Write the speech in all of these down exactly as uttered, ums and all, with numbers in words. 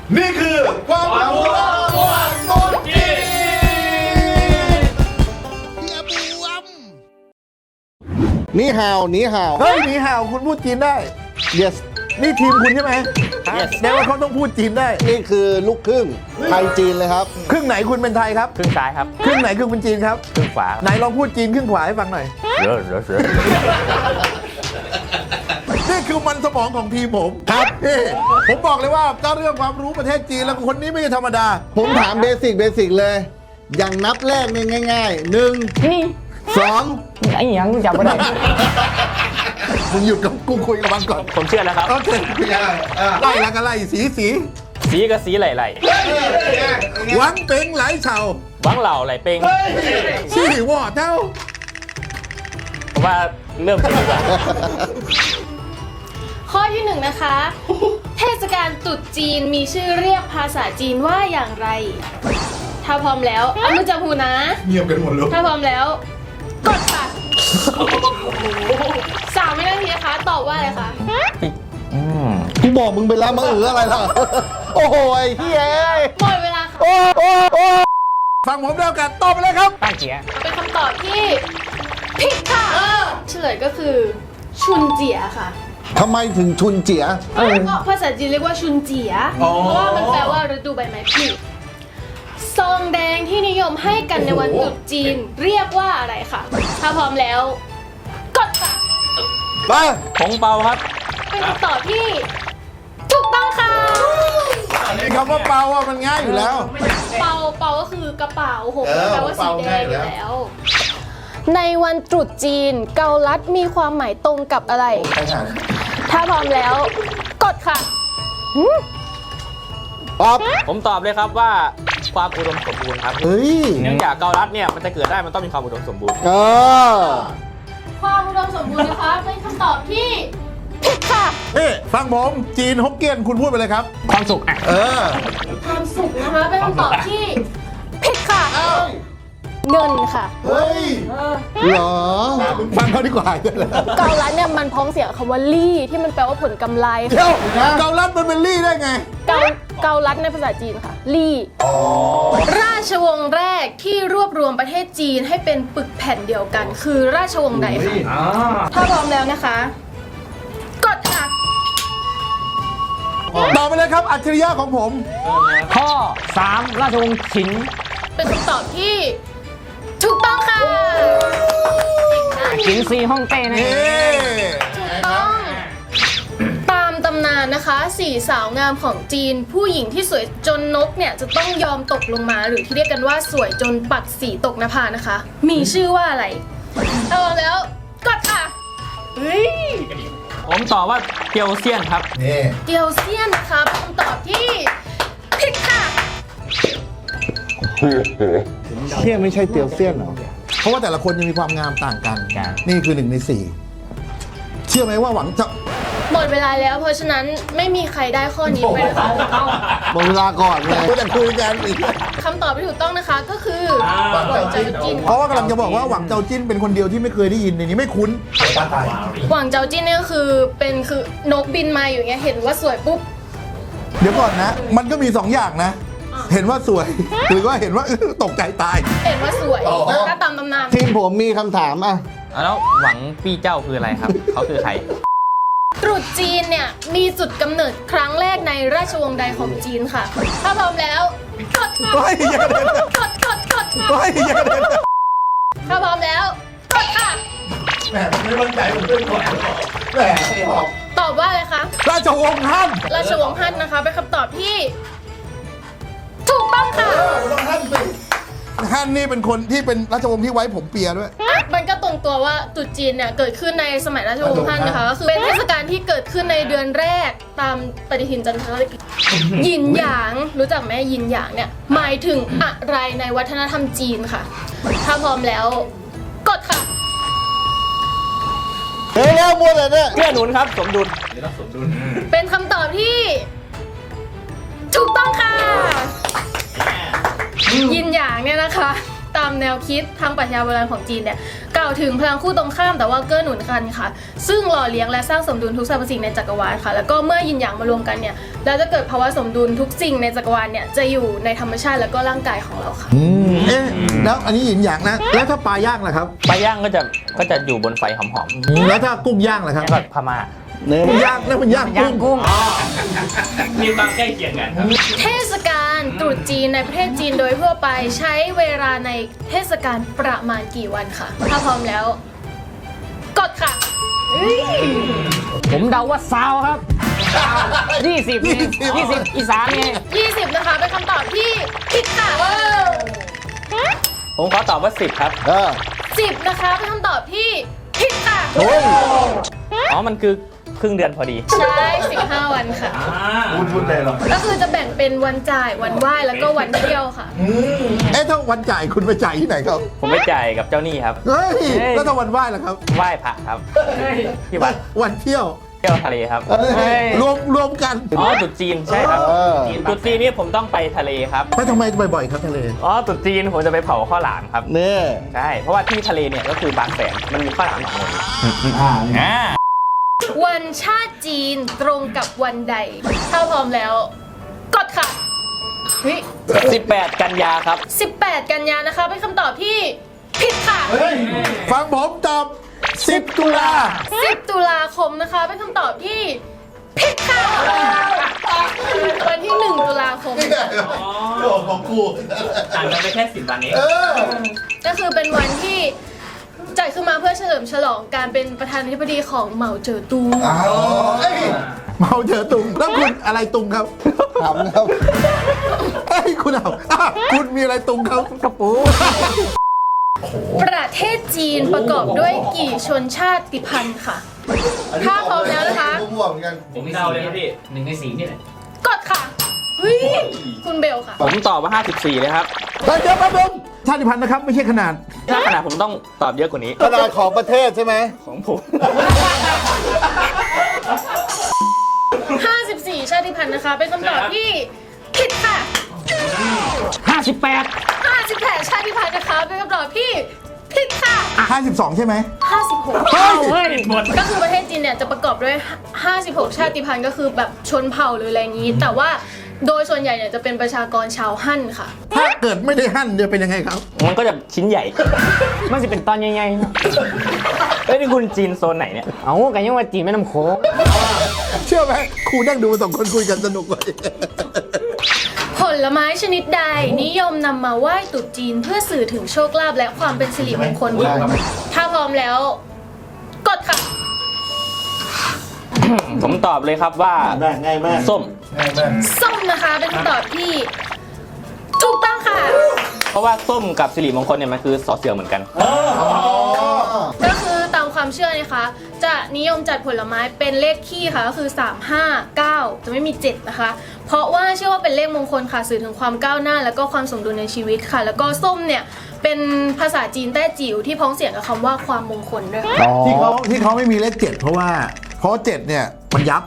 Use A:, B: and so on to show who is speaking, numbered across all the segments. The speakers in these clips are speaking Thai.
A: นี่คือความรู้ตัวตนจีนนี่ฮาวนี่ฮาวเฮ้ยนี่ฮาวคุณพูดจีนได้ yes นี่ทีมคุณใช่ไหม
B: yes
A: แปลว่าเขาต้องพูดจีนได้
C: นี่คือลูกครึ่งไทยจีนเลยครับ
A: ครึ่งไหนคุณเป็นไทยครับ
B: ครึ่งซ้ายครับ
A: ครึ่งไหนคือคุณจีนครับ
B: ครึ่งขวา
A: ไหนลองพูดจีนครึ่งขวาให้ฟังหน่อย
B: เยอะเยอะเยอะ
A: นี่คือมันสมองของทีมผมครับนี่ผมบอกเลยว่าเจ้าเรื่องความรู้ประเทศจีนแล้วคนนี้ไม่ใช่ธรรมดา
C: ผมถามเบสิกเบสิกเลย อย่างนับแรกเนี่ยง่ายๆหนึ่ง
D: นี่
C: สอง
D: ไอ้ยังจำไม่ได้
A: มึงหยุดกับกูคุยกับมันก่อน
B: ผมเชื่อแล้วครับ
A: โอเคไล่แล้วก็ไล่สีสี
B: สีกับสีไหล
A: หวังเป็งไหลเฉา
B: ๆวังเหล่าไหลเป้ง
A: ชี่วอเจ้า
B: ผมว่าเริ่มจะดีกว่า
E: ข้อที่หนึ่งนะคะ เทศกาลตรุษจีนมีชื่อเรียกภาษาจีนว่าอย่างไร ถ้าพร้อมแล้วเอามือจับหูนะ
A: เงียบกันหมดเลย
E: ถ้าพร้อมแล้ว กดค่ะสามวินาทีนะคะ ตอบว่าอะไรคะ
B: อืม
C: กูบอกมึงไปแล้วมึงเอออะไรล่ะ โอ้โหไอ้เฮ้ย
E: หมดเวลาค่ะ
C: โอ้โอ้โอ้
A: ฟังผมแล้วกันตอบไปเลยครับ
D: ตั้งเจีย
E: เป็นคำตอบที่ผิดค่ะเฉลยก็คือ ชุนเจียค่ะ
C: ทำไมถึงชุนเจีย
E: ก็ภาษาจีนเรียกว่าชุนเจีย เพราะว่ามันแปลว่าฤดูใบไม้ผลิซองแดงที่นิยมให้กันในวันตรุษจีนเรียกว่าอะไรคะถ้าพร้อมแล้ว กดค่ะ
C: ไป
B: ผงเปาครับ
E: เป็นคำตอบที่ถูกต้องค่ะ
A: คำว่าเปาอ่ะมันง่ายอยู่แล้ว
E: เปาเปาก็คือกระเป๋าหง
A: เออ
E: แปลว่าสีแดงอยู่
A: เปาง่ายอยู่แล้ว
E: แล้ว ในวันตรุษจีนเกาลัดมีความหมายตรงกับอะไร ถ้าพร้อมแล้ว กดค่ะ
C: ป๊อป
B: ผมตอบเลยครับว่าความอุดมสมบูรณ์ครับ
C: เฮ้ย
B: เนื่องจากเกาลัดเนี่ยมันจะเกิดได้มันต้องมีความอุดมสมบูรณ์
C: เออ
E: ความอุดมสมบูรณ์นะคะ เป็นคำตอบที่ผิดค่ะ
A: เอ๊ะฟังผมจีนฮกเกี้ยนคุณพูดไปเลยครับ
D: ความสุขอ่ะ
A: เออ
E: ความสุขนะคะ เป็นคำตอบที่ผิดค่ะ เงินค่ะ
A: เฮ้ย
C: เหรอ
A: มึงฟังเขาดีกว่า
E: เกาลัดเนี่ยมันพ้องเสียงกับคำว่าลี่ที่มันแปลว่าผลกำไร
A: เดี๋ยวเกาลัดมันเป็นลี่ได้ไง
E: เกาเกาลัดในภาษาจีนค่ะ ลี่ ราชวงศ์แรกที่รวบรวมประเทศจีนให้เป็นปึกแผ่นเดียวกัน คือราชวงศ์ใดคะถ้าพร้อมแล้วนะคะ กดค่ะ
A: ต่อไปเลยครับ อัจฉริยะของผม
D: ข้อสามราชวงศ์ฉิน
E: เป็นคำตอบที่ถูกต้องค่ะ
D: ฉินซีฮ่องเต้นั่นเอ
A: เอ๊
D: ง
E: ถูกต้อง ตามตำนานนะคะสี่สาวงามของจีน ผู้หญิงที่สวยจนนกเนี่ยจะต้องยอมตกลงมาหรือที่เรียกกันว่าสวยจนปักสีตกนภานะคะ มีชื่อว่าอะไรเอาแล้วกดค่ะเฮ้ย
B: ผมตอบว่าเกียวเซียนครับ
A: นี่
E: เดียวเซียนนะคะเป็นคำตอบที่ผิดค่ะ
C: เชี่ยไม่ใช่เตียวเซียนเหรอ
A: เพราะว่าแต่ละคนยังมีความงามต่างกัน
B: ใช่
A: นี่คือหนึ่งในสี่เชื่อไหมว่าหวังจะ
E: หมดเวลาแล้วเพราะฉะนั้นไม่มีใครได้ข้อนี้ไปนะคะ
C: หมดเวลาก่อนเลย
A: กูจะคุยกันอีก
E: คำตอบที่ถูกต้องนะคะก็คือหวังเจ้าจิน
A: เพราะว่ากำลังจะบอกว่าหวังเจ้าจิ้นเป็นคนเดียวที่ไม่เคยได้ยินในนี้ไม่คุ้น
E: หวังเจ้าจินเนี่ยก็คือเป็นคือนกบินมาอยู่เงี้ยเห็นว่าสวยปุ๊บ
A: เดี๋ยวก่อนนะ มันก็มีสองอย่างนะ เห็นว่าสวย หรือว่าเห็นว่า ตกใจตาย
E: เห็นว่าสวยถ้าตามตำนาน
C: ทีมผมมีคำถามอ่ะ
B: แล้วหวังปี้เจ้าคืออะไรครับ เขาคือใคร
E: ตรุษจีนเนี่ยมีจุดกำเนิดครั้งแรกในราชวงศ์ใดของจีนค่ะ ถ้าพร้อมแล้วกดค่ะ
A: เฮ้ยอย่าเดิน
E: กดกดกดค่ะ
A: เฮ้ยอย่าเดิน
E: ถ้าพร้อมแล้วกดค่ะ
A: แหมไม่มั่นใจผมเป็นคนแหม
E: ตอบว่าอะไรคะ
A: ราชวงศ์ฮั่น
E: ราชวงศ์ฮั่นนะคะเป็นคำตอบที่ ถูกต้องค่ะ
A: ต้องฮั่นสิฮั่นนี่เป็นคนที่เป็นราชวงศ์ที่ไว้ผมเปียด้วย
E: มันก็ตรงตัวว่าตรุษจีนเนี่ยเกิดขึ้นในสมัยราชวงศ์ฮั่นนะคะก็คือเป็นเทศกาลที่เกิดขึ้นในเดือนแรกตามปฏิทินจันทรคติหยินหยางรู้จักไหมหยินหยางเนี่ยหมายถึงอะไรในวัฒนธรรมจีนค่ะ ถ้าพร้อมแล้ว กดค่ะ
C: เฮ้ยแล้วมัวแต่เนี่ย
B: เกื้อหนุนครับ สมดุล
E: เป็นคำตอบที่ ถูกต้องค่ะหยินหยางเนี่ยนะคะ ตามแนวคิดทางปรัชญาโบราณของจีนเนี่ยกล่าวาวถึงพลังคู่ตรงข้ามแต่ว่าเกื้อหนุนกันค่ะ ซึ่งหล่อเลี้ยงและสร้างสมดุลทุกสรรพสิ่งในจักรวาลค่ะ แล้วก็เมื่อยินหยางมารวมกันเนี่ยแล้วจะเกิดภาวะสมดุลทุกสิ่งในจักรวาลเนี่ยจะอยู่ในธรรมชาติแล้วก็ร่างกายของเราค่ะ
A: อืมเอ๊ะแล้วอันนี้หยินหยางนะ แล้วถ้าปลาย่างล่ะครับ
B: ปลาย่างก็จะก็จะอยู่บนไฟหอม
A: อืมแล้วถ้ากุ้งย่างล่ะครับ
B: ๆแบบพม่า
C: เนี่ย
A: มันย่างแล้วมันย่าง
D: ย่าง
A: กุ้ง
D: กุ้ง
B: มีความใกล้เคียงกันครับ
E: เทศกาลตรุษจีนในประเทศจีนโดยทั่วไปใช้เวลาในเทศกาลประมาณกี่วันค่ะถ้าพร้อมแล้วกดค่ะ
D: ผมเดาว่าซาวครับยี่สิบเนี่ยยี่สิบอีสานไง
E: ยี่สิบนะคะเป็นคำตอบที่ผิดค่ะ
B: ผมขอตอบว่าสิบครับ
C: เออ
E: สิบนะคะเป็นคำตอบที่ผิดค่ะ
C: โอ้ย
B: อ๋อ มันคือครึ่งเดือนพอดี
E: ใช่สิบห้าวันค่ะ
A: พูดพูดเลยหรอ
E: ก็คือจะแบ่งเป็นวันจ่ายวันไหว้แล้วก็วันเที่ยวค่ะ
A: เอ๊ะถ้าวันจ่ายคุณไปจ่ายที่ไหนครับ
B: ผมไปจ่ายกับเจ้าหนี้ครับ
A: เฮ้ยแล้วถ้าวันไหว้ล่ะครับ
B: ไหว้พระครับ ที่วัด
A: วันเที่ยว
B: เที่ยวทะเลครับ
C: เฮ้ย
A: รวมรวมกัน
B: อ๋อตรุษจีนใช่ครับ
C: เออ
B: ตรุษจีนนี่ผมต้องไปทะเลครับ
A: ไปทำไมบ่อยๆครับทะเล
B: อ๋อตรุษจีนผมจะไปเผาข้าวหลามครับ
C: เนี่ย
B: ใช่ เพราะว่าที่ทะเลเนี่ยก็คือบางแสน มันมีข้าวหลามสองคน
C: อ่า
B: อ่า
E: วันชาติจีนตรงกับวันใด ถ้าพร้อมแล้ว กดค่ะเฮ้ย
B: สิบแปดกันยาครับ
E: สิบแปดกันยานะคะเป็นคำตอบที่ผิดค่ะ
A: ฟังผมตอบสิบตุลา
E: สิบตุลาคมนะคะเป็นคำตอบที่ผิดค่ะวันที่หนึ่งตุลาคม
A: โอ้ของกู
B: ห่างกันไปแค่สิบวันเอง
A: เออ
E: ก็คือเป็นวันที่จัดขึ้นมาเพื่อเฉลิมฉลองการเป็นประธานาธิบดีของเหมาเจ๋อตุง
A: อ้าวเอ้ยเมาเจอตุง แล้วคุณอะไรตุงครับ
C: ถามนะครับ
A: เอ้ยคุณเอาอ่ะคุณมีอะไรตุงครับกระปู
E: ประเทศจีนประกอบด้วยกี่ชนชาติพันธุ์ค่ะ ถ้าพร้อมแล้วนะคะ
C: ม่วงเหมือนกัน
B: ผมเดาเลยครับพี่หนึ่งในสี่นี่แหละ
E: กดค่ะเฮ้ยคุณเบลค่ะ
B: ผมตอบว่าห้าสิบสี่เลยครับ
A: เดี๋ยวเดี๋ยวแป๊บนึงชาติพันธุ์นะครับไม่ใช่ขนาด
B: ถ้าขนาดผมต้องตอบเยอะกว่านี้
C: ขนาดของประเทศใช่ไหม
B: ของผม
E: ห้าสิบสี่ชาติพันธุ์นะคะ เป็นคำตอบที่ผิดค่ะ
D: ห้าสิบแปด
E: ห้าสิบแปดชาติพันธุ์นะคะ เป็นคำตอบที่ผิดค่ะ
A: ห้าสิบสองใช่ไหม
E: ห้าสิบหก
A: เฮ้ย
D: เฮ้ย
E: ก็คือประเทศจีนเนี่ยจะประกอบด้วยห้าสิบหกชาติพันธุ์ก็คือแบบชนเผ่าหรืออะไรอย่างนี้ แต่ว่าโดยส่วนใหญ่เนี่ยจะเป็นประชากรชาวฮั่นค่ะ
A: ถ้าเกิดไม่ได้หั่นจะเป็นยังไงครับ
B: มันก็จะชิ้นใหญ่
D: มันจะเป็นตอนใหญ่ๆเนอะ
B: เอ้ยนี่คุณจีนโซนไหนเนี่ย
D: เอากันยังว่าจีนแม่น้ำโขง
A: เชื่อไหมครูนั่งดูสองคนคุยกันสนุกเลย
E: ผลไม้ชนิดใดนิยมนำมาไหว้ตรุษจีนเพื่อสื่อถึงโชคลาภและความเป็นสิริมงคลค่ะถ้าพร้อมแล้ว กดค่ะ
B: ผมตอบเลยครับว่า
C: ง่ายง่ายมาก
B: ส้ม
C: ง่ายมาก
E: ส้มนะคะเป็นคำตอบที่ถูกต้องค่ะ
B: เพราะว่าส้มกับสิริมงคลเนี่ยมันคือสอเสือเหมือนกัน
E: ก็คือตามความเชื่อนะคะ จะนิยมจัดผลไม้เป็นเลขคี่ค่ะก็คือสาม ห้า เก้าจะไม่มีเจ็ดนะคะ เพราะว่าเชื่อว่าเป็นเลขมงคลค่ะสื่อถึงความก้าวหน้า แล้วก็ความสมดุลในชีวิตค่ะ แล้วก็ส้มเนี่ยเป็นภาษาจีนแต้จิ๋วที่พ้องเสียงกับคำว่าความมงคลด้วยค่ะ
A: ที่เขาที่เขาไม่มีเลขเจ็ดเพราะว่าเพราะเจ็ดเนี่ยมันยับ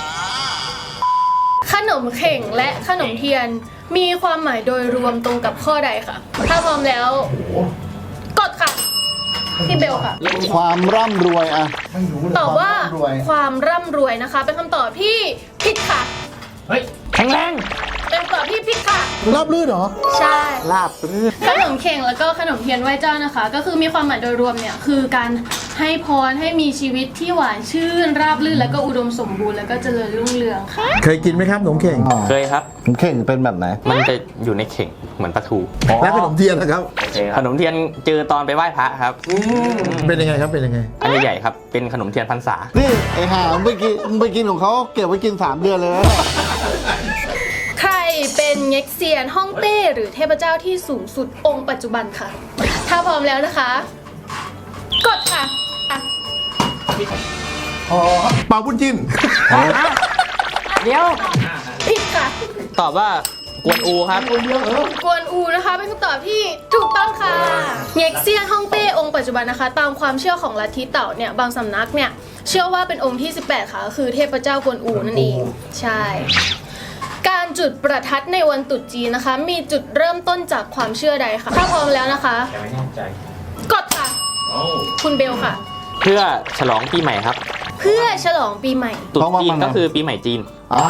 E: ขนมเข่งและขนมเทียนมีความหมายโดยรวมตรงกับข้อใดค่ะ ถ้าพร้อมแล้ว กดค่ะพี่เบลค่ะ
C: ความร่ำรวยอะ
E: ตอบว่า
C: ความร่ำรวย
E: ความร่ำรวยนะคะ เป็นคำตอบที่ผิดค่ะ
D: แข็งแรง
E: เป็นคำตอบที่ผิดค่ะ
A: ราบลื่นเหรอ
E: ใช่
B: ลาบลื่น
E: ขนมเข่งแล้วก็ขนมเทียนไหว้เจ้านะคะ ก็คือมีความหมายโดยรวมเนี่ยคือการให้พรให้มีชีวิตที่หวานชื่น ราบรื่นแล้วก็อุดมสมบูรณ์แล้วก็เจริญรุ่งเรืองค่ะ
A: เคยกินไหมครับขนมเข่ง
B: เคยครับ
C: ผมเข่งเป็นแบบไหน
B: มันจะอยู่ในเข่งเหมือนปลาทู
A: และขนมเทียนนะครับ
B: ขนมเทียนเจอตอนไปไหว้พระครับ
A: เป็นยังไงครับเป็นยังไง
B: อันใหญ่ๆครับ เป็นขนมเทียนพรรษา
C: นี่ไอ้ห่ามึงไปกินมึงไปกินของเขาเก็บไว้กินสามเดือนเลยนะ
E: ใครเป็นเง็กเซียนฮ่องเต้หรือเทพเจ้าที่สูงสุดองค์ปัจจุบันค่ะ ถ้าพร้อมแล้วนะคะ กดค่ะอ่ะ
A: อ๋อเป่าบุญจิน
D: เดี๋ยว
E: ผิดค่ะ
B: ตอบว่ากวนอูครับ
E: กวนอูนะคะเป็นคำตอบที่ถูกต้องค่ะเง็กเซียนฮ่องเต้องค์ปัจจุบันนะคะ ตามความเชื่อของลัทธิเต่าเนี่ยบางสำนักเนี่ยเชื่อว่าเป็นองค์ที่สิบแปดค่ะก็คือเทพเจ้ากวนอูนั่นเองใช่ การจุดประทัดในวันตรุษจีนนะคะ มีจุดเริ่มต้นจากความเชื่อใดคะถ้าพร้อมแล้วนะคะ กดค่ะคุณเบลค่ะ
B: เพื่อฉลองปีใหม่ครับ
E: เพื่อฉลองปีใหม่
B: ตรุษจีนก็คือปีใหม่จีน
C: อ่า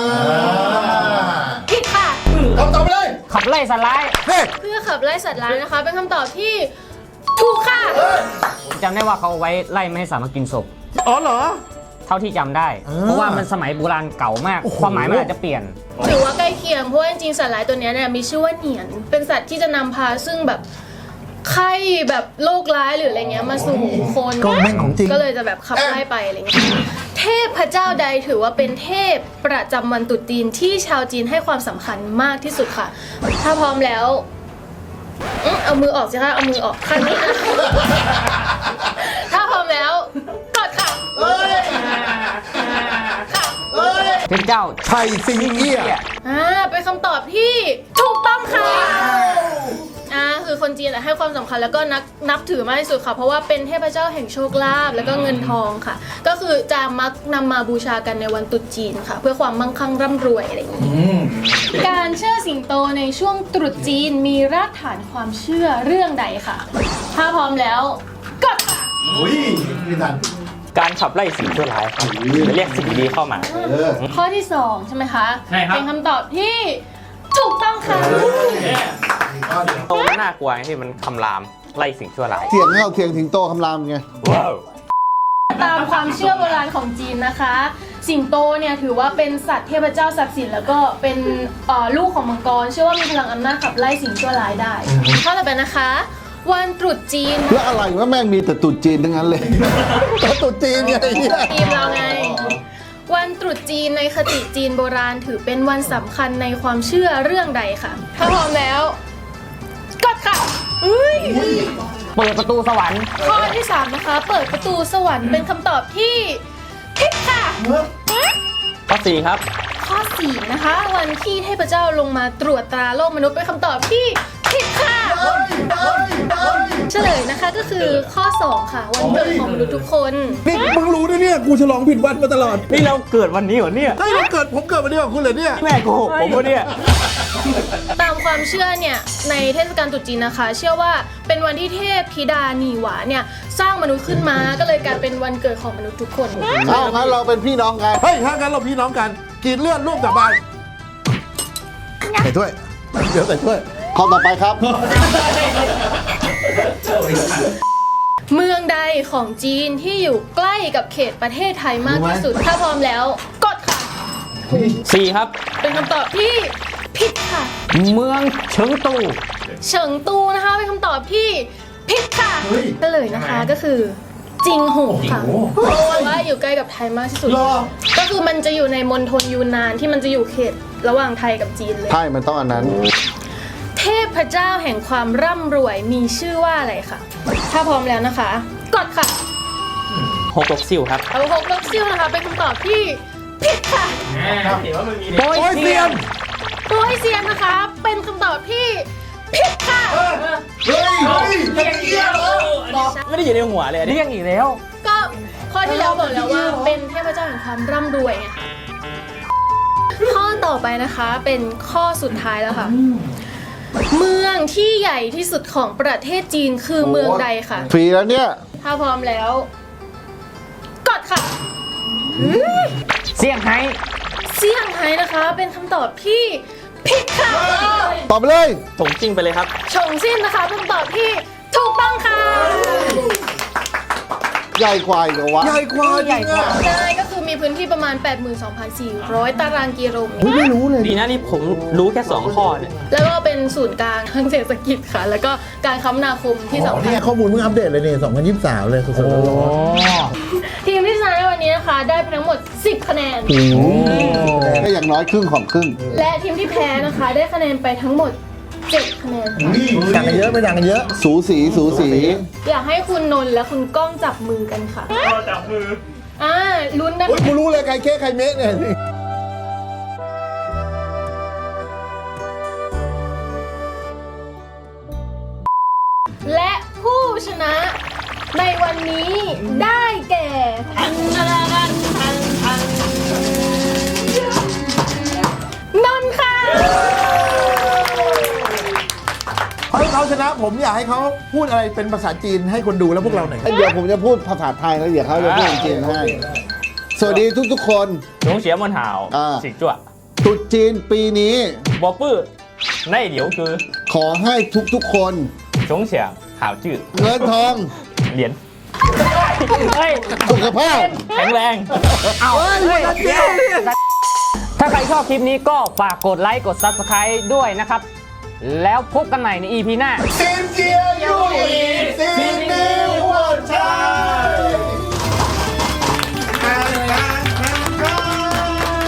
E: ผิดค่ะ
A: คำตอบไปเลย
D: ขับไล่สไลด์
A: เฮ้ย
E: เพื่อขับไล่สัตว์ร้ายนะคะ เป็นคำตอบที่ถูกค่ะ
D: ผมจำได้ว่าเขาเอาไว้ไล่ไม่ให้สามารถกินศพ
A: อ๋อเหรอ
D: เท่าที่จำได้
A: อ่า
D: เพราะว่ามันสมัยโบราณเก่ามาก
A: โอ้โห
D: ความหมายมันอาจจะเปลี่ยน
E: ถือว่าใกล้เคียงเพราะว่าจริงๆสัตว์ร้ายตัวเนี้ยเนี่ยมีชื่อว่าเหนียน เป็นสัตว์ที่จะนำพาซึ่งแบบไข้แบบโรคร้ายหรืออะไรเงี้ยมาสู่คน
A: ก็แม่งของจริง
E: ก็เลยจะแบบขับไล่ไปอะไรเงี้ยเทพเจ้าใดถือว่าเป็นเทพประจำวันตรุษจีนที่ชาวจีนให้ความสำคัญมากที่สุดค่ะ ถ้าพร้อมแล้วอื้อเอามือออกสิคะเอามือออกข้างนี้นะ ถ้าพร้อมแล้วกดค่ะค่ะ
D: เทพเจ้า
A: ไทยซิงเอี้ย
E: อ่าเป็นคำตอบที่ถูกต้องค่ะอ่าคือคนจีนอะให้ความสำคัญแล้วก็นับนับถือมากที่สุดค่ะ เพราะว่าเป็นเทพเจ้าแห่งโชคลาภแล้วก็เงินทองค่ะ ก็คือจะมักนำมาบูชากันในวันตรุษจีนค่ะ เพื่อความมั่งคั่งร่ำรวยอะไรอย่างนี้การเชื่อสิงโตในช่วงตรุษจีนมีรากฐานความเชื่อเรื่องใดค่ะ ถ้าพร้อมแล้วกดค่ะ
A: อุ้ยไม่ทัน
B: การขับไล่สิ่งชั่วร้ายครับจะเรียกสิ่งดีเข้ามา
A: เออ
E: ข้อที่สองใช่ไหมคะ
D: ใช่ครับ
E: เป็นคำตอบที่ถูกต้องค่ะ
B: โตมันน่ากลัวไงที่มันคำรามไล่สิ่งชั่วร้าย
C: เถียงเข้าเถียงถึงโตคำรามไง
B: ว้าว
E: ตามความเชื่อโบราณของจีนนะคะ สิงโตเนี่ยถือว่าเป็นสัตว์เทพเจ้าศักดิ์สิทธิ์แล้วก็เป็นเอ่อลูกของมังกร เชื่อว่ามีพลังอำนาจขับไล่สิ่งชั่วร้ายได้ข้อต่อไปนะคะ วันตรุษจีน
C: แล้วอะไรว่าแม่งมีแต่ตุดจีนทั้งนั้นเลย
A: ตัวตุ๊จีนไงไอ้เหี้ย
E: ทีมเราไง วันตรุษจีนในคติจีนโบราณถือเป็นวันสำคัญในความเชื่อเรื่องใดค่ะ ถ้าพร้อมแล้วกดค่ะอุ้ย
D: เปิดประตูสวรรค์
E: ข้อที่สามนะคะ เปิดประตูสวรรค์เป็นคำตอบที่ผิดค่ะ
B: ข้อสี่ครับ
E: ข้อสี่นะคะ วันที่เทพเจ้าลงมาตรวจตราโลกมนุษย์เป็นคำตอบที่ผิดค่ะ เฉลยนะคะก็คือข้อสองค่ะ วันเกิดของมนุษย์ทุกคน
A: นี่มึงรู้นะเนี่ย กูฉลองผิดวันมาตลอด
B: นี่เราเกิดวันนี้เหรอเนี่ย
A: เฮ้ยเราเกิดผมเกิดวันเดียวกับคุณเลยเนี่ย
B: แม่โกหกผมวะเนี่ย
E: ตามความเชื่อเนี่ยในเทศกาลตรุษจีนนะคะ เชื่อว่าเป็นวันที่เทพธิดาหนีหวาเนี่ยสร้างมนุษย์ขึ้นมาก็เลยกลายเป็นวันเกิดของมนุษย์ทุกคน
C: เอ้างั้นเราเป็นพี่น้องกัน
A: เฮ้ย ถ้างั้นเราพี่น้องกันกรีดเลือดร่วมสาบานใส่ถ้วย เดี๋ยวใส่ถ้วย
C: ข้อต่อไปครับ
E: เมืองใดของจีนที่อยู่ใกล้กับเขตประเทศไทยมากที่สุด ถ้าพร้อมแล้วกดค่ะ
B: สี่ครับ
E: เป็นคำตอบที่ผิดค่ะ
D: เมืองเฉิงตู
E: เฉิงตูนะคะเป็นคำตอบที่ผิดค่ะ
A: เฮ้ย
E: ก็เลยนะคะก็คือจิงหูค่ะเพราะว่าอยู่ใกล้กับไทยมากที่สุด
A: รอ
E: ก็คือมันจะอยู่ในมณฑลยูนนานที่มันจะอยู่เขตระหว่างไทยกับจีนเลย
C: ใช่มันต้องอันนั้น
E: เทพเจ้าแห่งความร่ำรวยมีชื่อว่าอะไรคะถ้าพร้อมแล้วนะคะ กดค่ะ
B: หกลกซิ่วครับ
E: เอาหกลกซิ่วนะคะเป็นคำตอบที่ผิดค่ะ
D: โดย
A: โอ้ย
D: เซี
A: เซี
D: ย
A: ย
D: น
A: น
E: โดยเซียนนะคะเป็นคำตอบที่ผิดค่ะ
A: เฮ้ยเฮ้ยเฮียเหรอ
B: ไม่ได้อยู่ในหัวเลยอันนี้
D: เรียกอีกแล้ว
E: ก็ข้อที่แล้วบอกแล้วว่าเป็นเทพเจ้าแห่งความร่ำรวยไงค่ะข้อต่อไปนะคะเป็นข้อสุดท้ายแล้วค่ะ เมืองที่ใหญ่ที่สุดของประเทศจีนคือเมืองใดคะ
C: ฟรีแล้วเนี่ย
E: ถ้าพร้อมแล้ว กดค่ะ
D: เซี่ยงไฮ้
E: เซี่ยงไฮ้นะคะ เป็นคำตอบที่ผิดค่ะ
C: ตอบไปเลย
B: ถงจิ้งไปเลยครับ
E: ชงซิ่นนะคะเป็นคำตอบที่ถูกต้องค่ะ
C: ใหญ่กว่าอีกเหรอวะ
A: ใหญ่กว่าจริงอะ
E: ใช่ก็คือมีพื้นที่ประมาณ แปดหมื่นสองพันสี่ร้อย ตารางกิโลเมตร
C: ไม่รู้เลย
B: ดีนะนี่ผมรู้แค่สองข้อเนี่ย
E: แล้วก็เป็นศูนย์กลางทางเศรษฐกิจค่ะ แล้วก็การคมนาคมที่
A: อ๋อ
E: สำคั
A: นี่
E: ญ
A: ไงข้อมูลเพิ่งอัปเดตเลยเนี่ยสองพันยี่สิบสามเลยสดๆร้อน
E: ทีมที่ชนะในวันนี้นะคะ ได้ไปทั้งหมด สิบ คะแนน
C: ก็อย่างน้อยครึ่งของครึ่ง
E: และทีมที่แพ้นะคะ ได้คะแนนไปทั้งหมด เจ็ด คะแนนค่ะ
A: ๆต่างกันเยอะไม่ต่างกันเยอะ
C: สูสีสูสี
E: อยากให้คุณนนท์และคุณก้องจับมือกันค่ะจับมืออ่าลุ้นนะ
A: โอ้ยกูรู้เลยใครเค้กใครเมะเนี่ย
E: และผู้ชนะในวันนี้ได้แก่ทันทันทันทันทันนนท์ค่ะ
A: เฮ้ยเขาชชนะผมอยากให้เขาพูดอะไรเป็นภาษาจีนให้คนดูแล้วพวกเราหน่อยครับ
C: เดี๋ยวผมจะพูดภาษาไทยแล้วเดี๋ยวเขาจะพูดจีนให้ สวัสดีทุกๆคน
B: 中学们好
C: อ่า
B: 请坐
C: ตรุษจีนปีนี้
B: 我不内流哥
C: ขอให้ทุกๆคน
B: 总想好剧
C: เงินทอง
B: 脸
D: เฮ้ย
C: สุขภาพ
B: แข็งแรง
D: เอาเฮ้ยถ้าใครชอบคลิปนี้ก็ฝากกดไลค์กด ซับสไครบ์ ด้วยนะครับ แล้วพบกันใหม่ใน อี พี หน้า
A: เซียนเจียยูอี